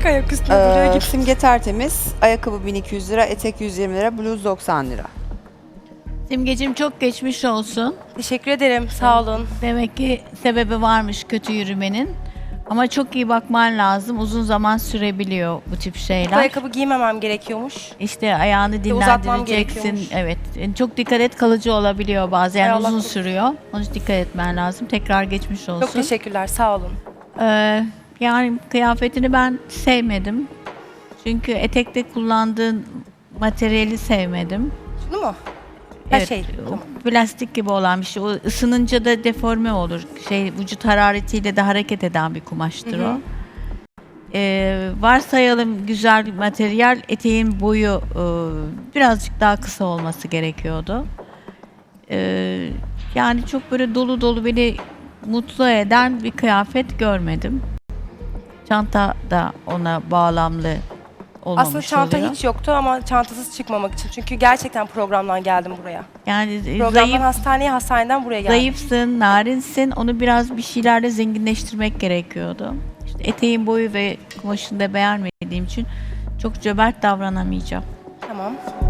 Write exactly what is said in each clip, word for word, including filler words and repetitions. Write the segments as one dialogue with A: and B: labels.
A: tek ayak üstünde duruyor
B: Ee,
A: gibi.
B: simge tertemiz. Ayakkabı bin iki yüz lira, etek yüz yirmi lira, bluz doksan lira.
C: Simgeciğim çok geçmiş olsun.
A: Teşekkür ederim. Sağ olun.
C: Demek ki sebebi varmış kötü yürümenin. Ama çok iyi bakman lazım. Uzun zaman sürebiliyor bu tip
A: Bu
C: şeyler.
A: ayakkabı giymemem gerekiyormuş.
C: İşte ayağını
A: uzatmam
C: dinlendireceksin.
A: gerekiyormuş.
C: Evet. Yani çok dikkat et, kalıcı olabiliyor bazen.
A: Hay
C: Yani
A: Allah
C: uzun
A: korusun.
C: sürüyor. Onun için dikkat etmen lazım. Tekrar geçmiş olsun.
A: Çok teşekkürler. Sağ olun.
C: Ee, yani kıyafetini ben sevmedim. Çünkü etekte kullandığın materyali sevmedim.
A: Şunu mu? Her
C: Evet,
A: şey.
C: o
A: Tamam.
C: plastik gibi olan bir şey. O ısınınca da deforme olur. Şey vücut hararetiyle de hareket eden bir kumaştır
A: Hı hı.
C: o. Ee, varsayalım güzel bir materyal, eteğin boyu e, birazcık daha kısa olması gerekiyordu. Ee, yani çok böyle dolu dolu beni mutlu eden bir kıyafet görmedim. Çanta da ona bağlamlı olmamış
A: Aslında çanta
C: oluyor.
A: hiç yoktu ama çantasız çıkmamak için. Çünkü gerçekten programdan geldim buraya.
C: Yani
A: Programdan
C: zayıf,
A: hastaneye, hastaneden buraya geldim.
C: zayıfsın, narinsin. Onu biraz bir şeylerle zenginleştirmek gerekiyordu. İşte eteğin boyu ve kumaşını da beğenmediğim için çok cömert davranamayacağım.
A: Tamam.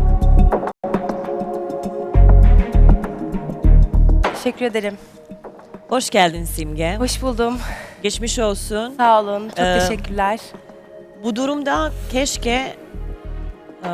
A: Teşekkür ederim.
D: Hoş geldin Simge.
A: Hoş buldum.
D: Geçmiş olsun.
A: Sağ olun. Çok
D: Ee,
A: teşekkürler.
D: Bu durumda keşke eee,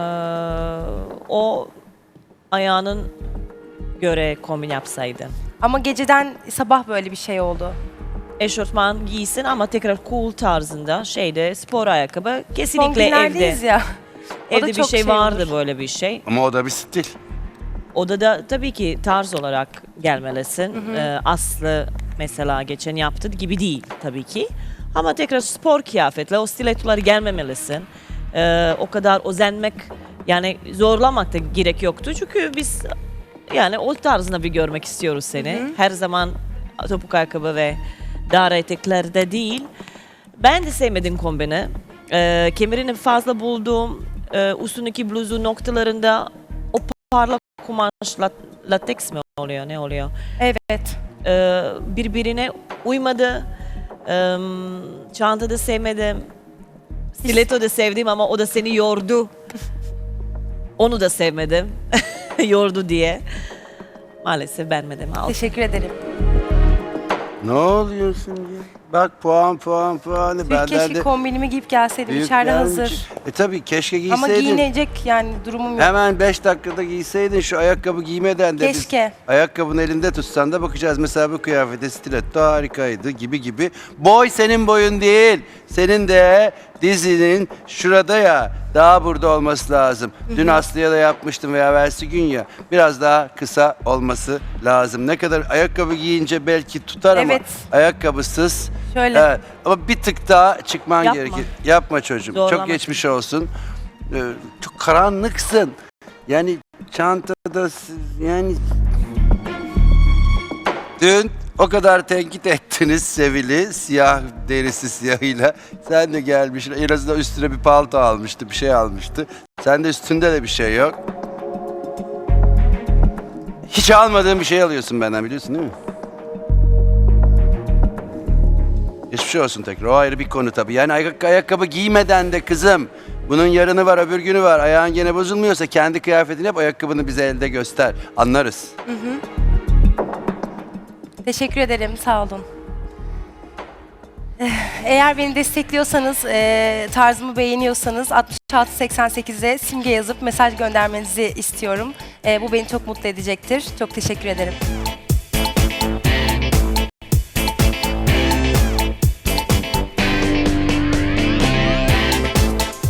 D: o ayağının göre kombin yapsaydın.
A: Ama geceden sabah böyle bir şey oldu.
D: Eşofman giysin ama tekrar cool tarzında şeyde spor ayakkabı
A: Son
D: kesinlikle evde.
A: günlerdeyiz ya. O da
D: Evde bir
A: çok
D: şey,
A: şey
D: vardı
A: olur.
D: böyle bir şey.
E: Ama o da bir stil.
D: Odada tabii ki tarz olarak gelmelisin. Ee, Aslı mesela geçen yaptığı gibi değil tabii ki. Ama tekrar spor kıyafetle o stilettoları gelmemelisin. Ee, o kadar özenmek yani zorlamak da gerek yoktu. Çünkü biz yani o tarzına bir görmek istiyoruz seni. Her zaman topuk ayakkabı ve dar eteklerde değil. Ben de sevmedim kombini. Ee, kemerini fazla buldum. Ee, üstündeki bluzu noktalarında o parlak kumaş lat- lateks mi oluyor ne oluyor?
A: Evet.
D: Ee, birbirine uymadı. Ee, çanta da sevmedim. Stiletto da sevdim ama o da seni yordu. Onu da sevmedim. Yordu diye. Maalesef beğenmedim. Al.
A: Teşekkür ederim.
E: Ne oluyor şimdi? Bak puan puan puan.
A: Tüh,
E: Benden
A: keşke
E: de
A: kombinimi giyip gelseydim.
E: büyük
A: İçeride
E: gelmiş.
A: hazır.
E: E tabii keşke
A: Ama
E: giyseydin.
A: giyinecek yani durumum yok.
E: Hemen beş dakikada giyseydin şu ayakkabı giymeden de
A: Keşke.
E: biz ayakkabını elinde tutsan da bakacağız. Mesela bu kıyafete stiletto harikaydı gibi gibi. Boy senin boyun değil. Senin de dizinin şurada ya daha burada olması lazım. Dün Aslı'ya da yapmıştım veya versi gün ya biraz daha kısa olması lazım. Ne kadar ayakkabı giyince belki tutar ama
A: Evet.
E: ayakkabısız.
A: Şöyle.
E: Evet, ama bir tık daha çıkman
D: Yapma.
E: gerekir. Yapma çocuğum.
D: Zorlama
E: Çok geçmiş olsun. Ee, çok karanlıksın. Yani çantada siz- yani dün o kadar tenkit ettiniz Sevil'i siyah derisi siyahıyla. Sen de gelmişsin. En azından üstüne bir palto almıştı, bir şey almıştı. Sen de üstünde de bir şey yok. Hiç almadığın bir şey alıyorsun benden biliyorsun değil mi? Geçmiş olsun tekrar. O ayrı bir konu tabii. Yani ayak ayakkabı giymeden de kızım. Bunun yarını var, öbür günü var. Ayağın gene bozulmuyorsa kendi kıyafetini yap, ayakkabını bize elde göster. Anlarız.
A: Teşekkür ederim. Sağ olun. Eh, Eğer beni destekliyorsanız, e, tarzımı beğeniyorsanız altmış altı seksen sekize simge yazıp mesaj göndermenizi istiyorum. E, bu beni çok mutlu edecektir. Çok teşekkür ederim.